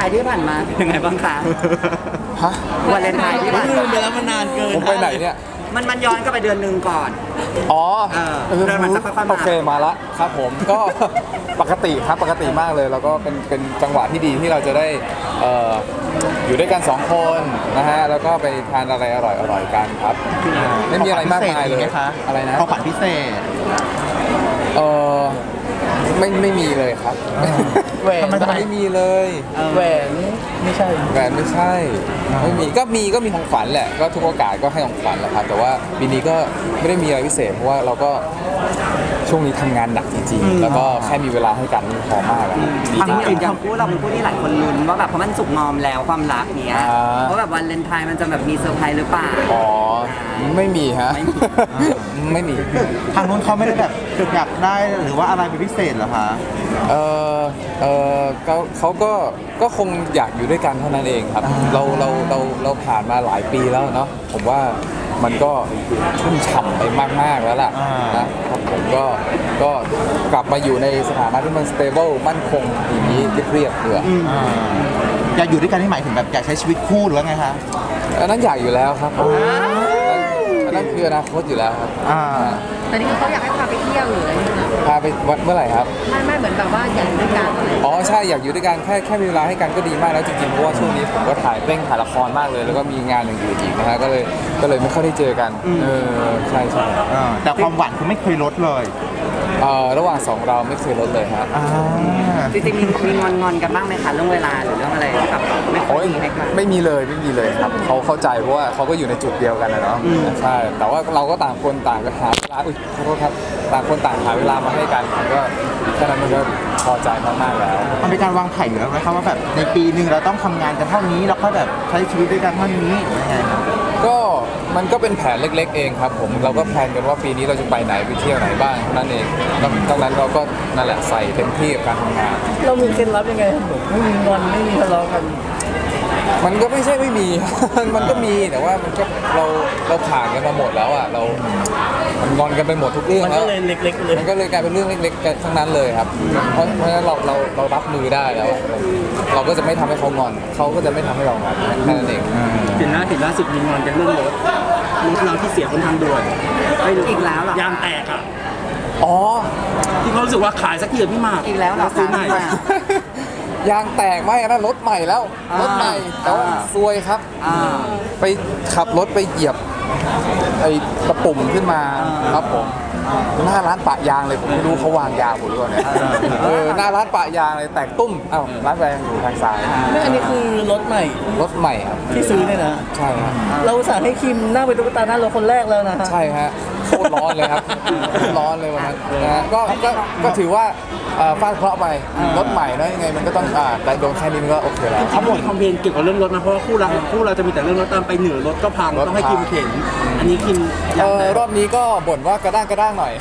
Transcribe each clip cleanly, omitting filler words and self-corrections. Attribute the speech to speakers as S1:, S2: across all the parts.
S1: น์ที่ผ่านมาเป็นยังไงบ้างคะ
S2: ฮะ
S1: วาเลนไทน์ที่ผ่าน
S3: ลื
S1: มาม
S3: ไปแล้วมันนานเกิน
S2: ผมไปไหนเนี่ย
S1: มันย้อนกลับไปเดือนหนึ่งก่อน
S2: อ๋อ
S1: เดินมาสักพักมา
S2: โอเคมาละครับผมก็ ปกติครับปกติมากเลยแล้วก็เป็นจังหวะที่ดีที่เราจะได้อยู่ด้วยกัน2คนนะฮะแล้วก็ไปทานอะไรอร่อยๆกันครับไม่มีอะไรมากมายเลย
S3: คะ
S2: อะไรนะ
S3: ของขวัญพิเศษ
S2: เออไม่มีเลยครับ
S3: แหวน
S2: ไม่มีเลย
S3: แหวนไม่ใช่
S2: แหวนไม่ใช่ไม่มีก็มีของขวัญแหละก็ทุกโอกาสก็ให้ของขวัญแหละครับแต่ว่าปีนี้ก็ไม่ได้มีอะไรพิเศษเพราะว่าเราก็ช่วงนี้ทำงานหนักจริงๆแล้วก็แค่มีเวลาให้กันนี่พอมากแล้วดี
S1: จริง
S2: ใจ
S1: ๆอย่างคู่เราเป็นคู่ที่หลายคนลุ้นว่าแบบเพราะมันสุกงอมแล้วความรักเนี้ย
S2: อ่า
S1: ว่าแบบวันเลนไทน์มันจะแบบมีเซอร์ไพรส์หรือเปล่า
S2: อ๋อไม่มีฮะ ไม่มี
S3: ทางนู้นเขาไม่ได้แบบอยากได้หรือว่าอะไรเป็นพิเศษเหรอคะ
S2: เออเขาก็คงอยากอยู่ด้วยกันเท่านั้นเองครับเราผ่านมาหลายปีแล้วเนาะผมว่ามันก็ชุ่มฉ่ำไปมากๆแล้วล่ะนะครับผมก็กลับมาอยู่ในสถานะที่มัน stable มั่นคงอย่างนี้เรียบๆเถอะ
S3: อยากอยู่ด้วยกันที่หมายถึงแบบอยากใช้ชีวิตคู่หรือว่าไงคะ
S2: อันนั้นอยากอยู่แล้วครับผมอันนั้นคืออนาคตอยู่แล้วครับ
S4: แต่นี่คือเขาอยากให้พาไปเที่ยวหรืออะไรอย่างเงี้ย
S2: พาไปวัดเมื่อไหร่ครับ
S4: ไม่เหมือนแบบว่าอยากอยู่ด้วยกันอะไร
S2: อ๋อใช่อยากอยู่ด้วยกันแค่มีเวลาให้กันก็ดีมากแล้วจริงๆเพราะว่าช่วงนี้ผมก็ถ่ายละครมากเลย แล้วก็มีงานอย่างอื่นอีกนะฮะก็เลยไม่ค่อยได้เจอกันใช่
S3: แต่ความหวานคือไม่เคยลดเลย
S2: ระหว่างสองเราไม่เคยลดเลยฮะ
S1: จริงๆมีงอนกันบ้างไหมคะเรื่องเวลาหรือเรื่องอะไรแบบไม่ค่
S2: โอ้
S1: อย
S2: ย
S1: ดีให้กัน
S2: ไม่มีเลยครับเขาเข้าใจเพราะว่าเขาก็อยู่ในจุดเดียวกันนะเนาะใช่แต่ว่าเราก็ต่างคนต่างหาเวลาขอโทษครับต่างคนต่างหาเวลามาให้กันมันก็แค่นั้นมันก็พอใจมากๆแล้ว
S3: มันเป็นการวางแผนอยู่แล้วไหมครับว่าแบบในปีหนึ่งเราต้องทำงานกันเท่านี้แล้วก็แบบใช้ชีวิตด้วยกันเท่านี้หรือยังไงครับ
S2: ก็มันก็เป็นแผนเล็กๆเองครับผมเราก็แพลนกันว่าปีนี้เราจะไปไหนไปเที่ยวไหนบ้างเท่านั้นเองดังนั้นเราก็นั่นแหละใส่เต็มที่กับการทำงาน
S5: เรามีเคล็ดลับยังไงครับผมไม่มีงอนไม่มีทะเลาะกัน
S2: มันก็ไม่ใช่ไม่มี มันก็มีแต่ว่ามันก็เราผ่านกันมาหมดแล้วอ่ะมันงอนกันไปหมดทุกเรื่อง
S5: มัน
S2: แล้
S5: ก็
S2: ว
S5: เลยเล็กๆเลย
S2: มันก็เลยกลายเป็นเรื่องเล็กๆกันทั้งนั้นเลยครับเพราะฉะนั้นเรารับมือได้แล้ว เราก็จะไม่ทำให้เขางอนเขาก็จะไม่ทำให้เรางอนแค่นั้นเอง
S6: เห็นล่าสุดมีงอนกันเรื่องรถเราที่เสียบนทางด่วน
S1: อีกแล้วเหรอย
S6: างแตกอ่ะ
S2: อ๋อ
S6: ที่เขารู้สึกว่าขายสักทีเถอะพี่หมาก
S1: อีกแล้วเหรอ
S6: ซื้อใหม่
S2: ยางแตกไหมอันนั้นรถใหม่แล้วรถใหม่แต่ว่าซวยครับ ไปขับรถไปเหยียบไอ้ตะปุ่มขึ้นมาครับผมหน้าร้านปะยางเลยผมไม่รู้เขาวางยาผมหรือเปล่าเนี่ยหน้าร้านปะยางเลยแตกตุ้มอ้าวร้านแรงอยู่ทางซ้าย
S5: ไม่อันนี้คือรถใหม่
S2: รถใหม่ครับ
S5: ที่ซื้อเนี่ยนะ
S2: ใช่ครับ
S5: เราอุตส่าห์ให้คิมนั่งเป็นตุ๊กตาหน้ารถคนแรกแล้วนะฮะ
S2: ใช่ฮะโคตรร้อนเลยครับโคตรร้อนเลยวันนั้นนะฮะก็ถือว่าฟาดเคราะห์ไปรถใหม่นะยังไงมันก็ต้องแต่โดนแค่นี้มันก็โอเคแล้ว
S6: เขาบ่นคอมเพลนเกี่ยวกับเรื่องรถมาเพราะว่าคู่เราจะมีแต่เรื่องรถตามไปเหนือรถก็พังต้องให้คิมเข็นอันนี้คิมยางแตก
S2: รอบนี้ก็บ่นว่ากระด้างหน่อย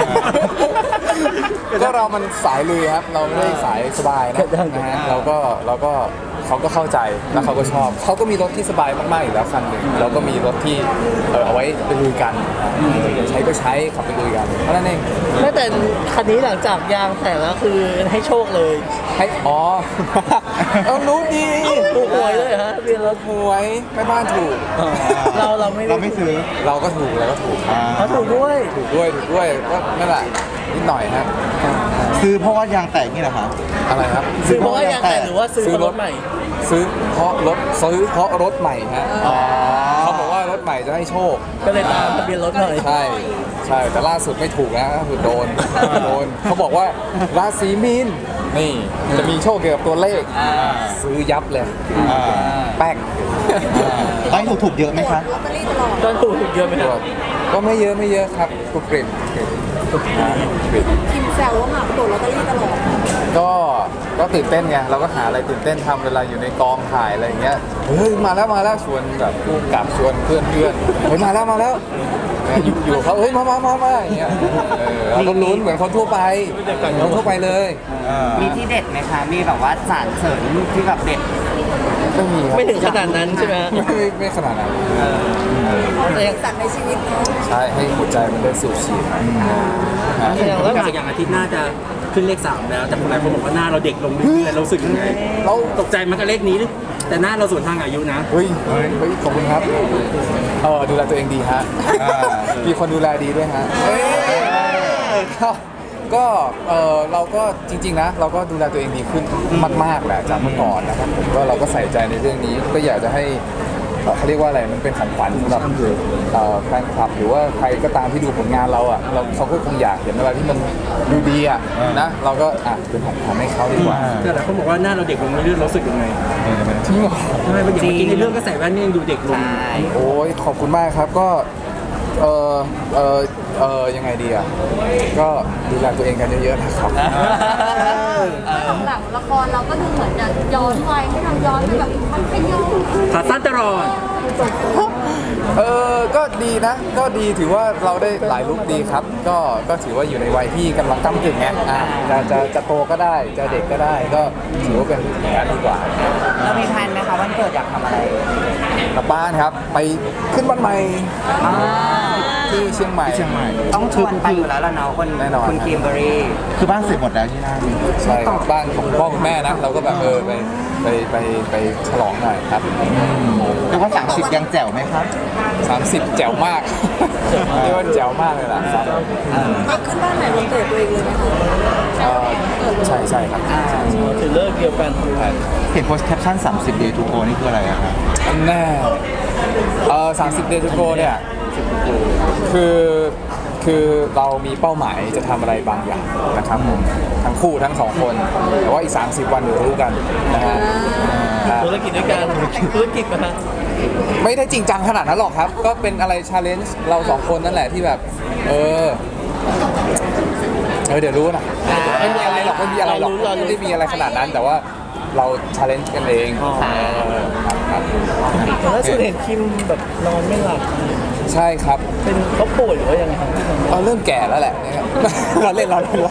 S2: ก็เรามันสายลุยครับ เราไม่ได้สายสบายนะฮะเราก็เขาก็เข้าใจแล้วเขาก็ชอบเขาก็มีรถที่สบายมากๆอยู่แล้วคันหนึ่งเราก็มีรถที่เอาไว้ไปลุยกันใช้ก็ใช้ขับไปลุยกันเพราะนั่นเอง
S5: ไม่แต่คันนี้หลังจากยางแตกแล้วคือให้โชคเลย
S2: ให้อ๋อ รู้ดี
S5: ถูกหวยเลยฮะเรียนรถ
S2: หวยแม่บ้านถูก
S5: เราไม่
S3: เราไม่ซื้อ
S2: เราก็ถูกครับ
S5: เขาถูกด้วย
S2: ถูกด้วยก็นั่นแหละนิดหน่อยฮะ
S3: ซื้อเพราะว่ายางแตกนี่เหรอคะ
S2: อะไรครับ
S5: ซื้อเพราะว่ายางแตกหรือว่าซื้อเพราะรถใหม่
S2: ซื้อเพราะรถใหม่ฮะเขาบอกว่ารถใหม่จะให้โชค
S5: ก็เลยตามทะเบียนรถหน่อย
S2: ใช่แต่ล่าสุดไม่ถูกนะก็คือโดนเขาบอกว่าราศีมีนนี่จะมีโชคเกี่ยวกับตัวเลขซื้อยับเลยแป๊ก
S3: ตอนนี้ถูกเยอะไหมคะ
S4: ลอตเตอรี่ตลอด
S5: ก็ถูกเยอะไหมครับ
S2: ก็ไม่เยอะครับกรุบกริบ
S4: คิมแซวว่าหมากโดดลอตเตอรี่ตลอด
S2: ก็ตื่นเต้นไงเราก็หาอะไรตื่นเต้นทำเวลาอยู่ในกองถ่ายอะไรอย่างเงี้ยเฮ้ยมาแล้วชวนแบบผู้กำกับชวนเพื่อนเฮ้ยมาแล้วอยู่เขาเฮ้ยมาอย่างเงี้ยเราก็ลุ้นเหมือนคนทั่วไปเลย
S1: มีที่เด็ดไหมคะมีแบบว่าสารเสริญที่แบบเด็ด
S2: ไม่มีครับ
S5: ไม่ถึงขนาดนั้นใช่ไหมฮะ
S2: ไม่ขนาดนั้น
S5: แต่ยัง
S4: สั่งในชีวิตเนาะ
S2: ใช่ให้หัวใจมันได้สูบฉีด
S5: แสดงว่า
S6: อย่างอาทิตย์หน้าจะขึ้นเลข 3แล้วแต่คนหลายคนบอกว่าหน้าเราเด็กลงเรื่อยๆเรารู้สึกยังไง
S2: เรา
S6: ตกใจมันกับเลขนี้แต่หน้าเราสวนทางอายุนะ
S2: เฮ้ยขอบคุณครับดูแลตัวเองดีฮะมีคนดูแลดีด้วยฮะก็เราก็จริงๆนะเราก็ดูแลตัวเองดีขึ้นมากๆแหละจากเมื่อก่อนนะครับผมก็เราก็ใส่ใจในเรื่องนี้ก็อยากจะให้เขาเรียกว่าอะไรมันเป็นของขวัญสำหรับแฟนคลับหรือว่าใครก็ตามที่ดูผลงานเราอ่ะเขาก็คงอยากเห็นอะไรที่มันดูดีอ่ะนะเราก็เป็นของขวัญให้เขาดีกว่า
S6: แต่หลายคนบอกว่าหน้าเราเด็กลงเรื่อยๆเรารู้สึกยังไง
S2: จริงเหรอ
S6: ทำไมอย่างเมื่อกี้ในเรื่องก็ใส่แว่นนี่ยังดูเด็กลง
S1: ใช่
S2: โอ้ยขอบคุณมากครับก็ยังไงดีอ่ะก็ดูแลตัวเองกันเยอะๆนะครับ
S4: หลังละครเราก็ดูเหมือนจะย้อนวัยให้เราย้อนไปแบบมันเป็นย้อน
S6: ขาสั้นตลอด
S2: ก็ดีนะก็ดีถือว่าเราได้หลายลุคดีครับก็ถือว่าอยู่ในวัยที่กำลังก้ำกึ่งไงจะโตก็ได้จะเด็กก็ได้ก็ถือว่าเป็นอย่างนั้นดีกว่า
S1: เรามีแพลนไหมคะวันเกิดอยากทำอะไร
S2: กลับบ้านครับไปขึ้นบ้านใหม่ที่เชียงใหม่
S1: ต้องชวนไปอยู่แล้วล่ะเนาะคน
S2: แน่นอน
S1: คุณคิมเบอรี่
S3: คือบ้านเสร็จหมดแล้วที่นั่น
S2: ใช่ครับบ้านของพ่อคุณแม่นะเราก็แบบไปฉลองหน่อยครับ
S3: เรียกว่า30ยังแจ๋วไหมครับ
S2: 30แจ๋วมากเรียกว่าแจ๋วมากเลยล่ะครับ
S4: มาขึ้นบ้านไหนวันเกิดตัวเองเลยไหมคะ
S2: ใช่ครับ
S5: ถือเลิกเดียวกัน
S3: เห็นโพสต์แคปชั่น30 day to go นี่คืออะไรอะครับ
S2: แน่30 Day to Go เนี่ยคือเรามีเป้าหมายจะทำอะไรบางอย่างนะครับผมทั้งคู่ทั้งสองคนแต่ว่าอีก30 วันเดี๋ยวรู้กันนะฮะ
S5: ธุรกิจด้วยกันธุรกิจนะฮะ
S2: ไม่ได้จริงจังขนาดนั้นหรอกครับ ก็เป็นอะไรชาเลนจ์เราสองคนนั่นแหละที่แบบเดี๋ยวรู้นะไม่มีอะไรหรอกไม่มีอะไรหรอกไม่ได้มีอะไรขนาดนั้นแต่ว่าเราชาเลนจ์กันเองครับ
S5: แต่ล่าสุดเห็นคิมแบบนอนไม่หลับ
S2: ใช่ครับ
S5: เป็นเขาป่วยหรือว่ายังไงครับ
S2: เราเริ่มแก่แล้วแหละนะครับ เราเล่น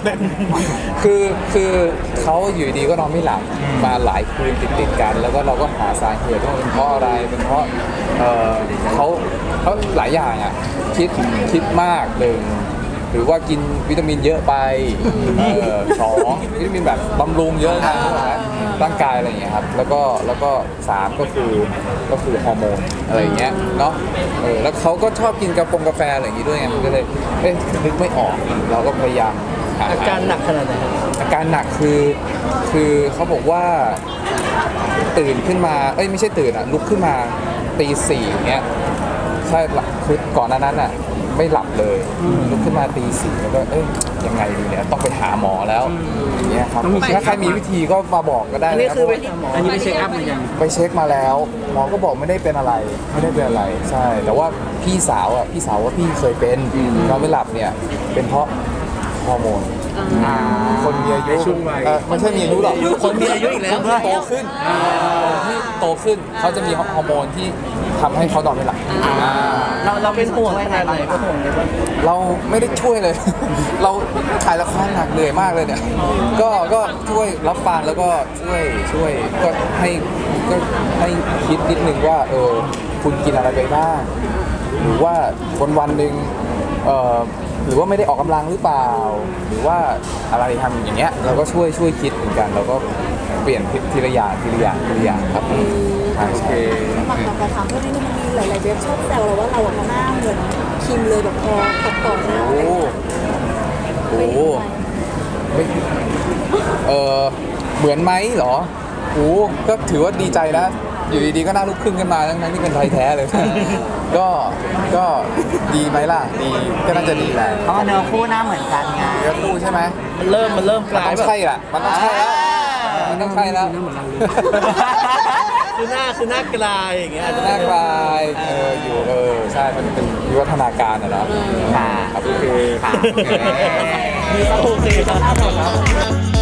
S2: คือเขาอยู่ดีก็นอนไม่หลับมาหลายคืนติดกัน แล้วก็เราก็หาสาเหตุว่าเป็นเพราะอะไรเป็นเพราะเขาหลายอย่างอ่ะคิดมากหนึ่งหรือว่ากินวิตามินเยอะไปสองวิตามินแบบบำรุงเยอะนะร่างกายอะไรอย่างเงี้ยครับแล้วก็3ก็คือฮอร์โมนอะไรอย่างเงี้ยเนาะแล้วเขาก็ชอบกินกาแฟอะไรอย่างงี้ด้วยไงมันก็เลยนึกไม่ออกเราก็พยายามห
S5: อาการหนักขนาดไหนครับ
S2: อาการหนักคือเขาบอกว่าตื่นขึ้นมาไม่ใช่ตื่นลุกขึ้นมาตี4เงี้ยใช่คือก่อนหน้านั้นอ่ะไม่หลับเลยลุกขึ้นมาตี4แล้วก็ยังไงดีเนี่ยต้องไปหาหมอแล้วอย่างเงี้ยครับถ้าใครมีวิธีก็มาบอกก็ได้
S5: อัน
S2: นะ
S5: นี้
S2: ครับ
S5: คือไปหาหมอ
S6: อันนี้ไปเช็คอัพหรือยัง
S2: ไปเช็คมาแล้วหมอก็บอกไม่ได้เป็นอะไรใช่แต่ว่าพี่สาวว่าพี่เคยเป็นนอนไม่หลับเนี่ยเป็นเพราะฮอร์โมนคนมีอายุ
S6: ช่วงวัย
S2: ไม่ใช่มีอายุหรอกคนมีอายุอีกแล้ว
S5: คนที่
S2: โตขึ้นเขาจะมีฮอร์โมนที่ทำให้เขานอนไม่หลับ
S5: เราเป็นห่วงขนาดไหนเป็นห่วงเลยว่า
S2: เราไม่ได้ช่วยเลย เราถ่ายละครหนักเหนื่อยมากเลยเนี่ยก็ช่วยรับฟังแล้วก็ช่วยก็ให้คิดนิดนึงว่าคุณกินอะไรไปบ้างหรือว่าวันหนึ่งหรือว่าไม่ได้ออกกำลังหรือเปล่า หรือว่าอะไรทำอย่างเงี้ยเราก็ช่วยคิดเหมือนกันเราก็เปลี่ยนทีละอย่างครับโอเค
S4: หลังๆเราถามเพื่อนที่มันมีหลายๆเว็บชอบแซวเราว่าเราหน้าเหมือนคิมเลยแบบพอตัดต่อหน้า
S2: โอ้โหไม่เหมือนไหมเหรอโอ้ก็ถือว่าดีใจนะอยู่ดีๆก็น่าลุกขึ้นกันมาทั้งที่เป็นไทยแท้เลย ก็ดีไหมล่ะดีก็น่าจะดีแหละ
S1: เพราะว่าเนื้อคู่หน้าเหมือนกันไง
S2: เนื้อคู่ใช่ไหม
S5: มันเริ่มก
S2: มัน
S5: ลา
S2: ต้
S5: ย
S2: อง
S5: แบบ
S2: ใช่ละมันต้องใช่แล้วมันต้องใช่แล้ว
S5: คือหน้ากลายอย่างเงี้ย
S2: หน้ากลายอยู่ใช่มันเป็นวิวัฒนาการอะเนาะ
S1: ค่ะ
S2: ครับโอเค
S1: ค่ะ
S5: โอเคครับ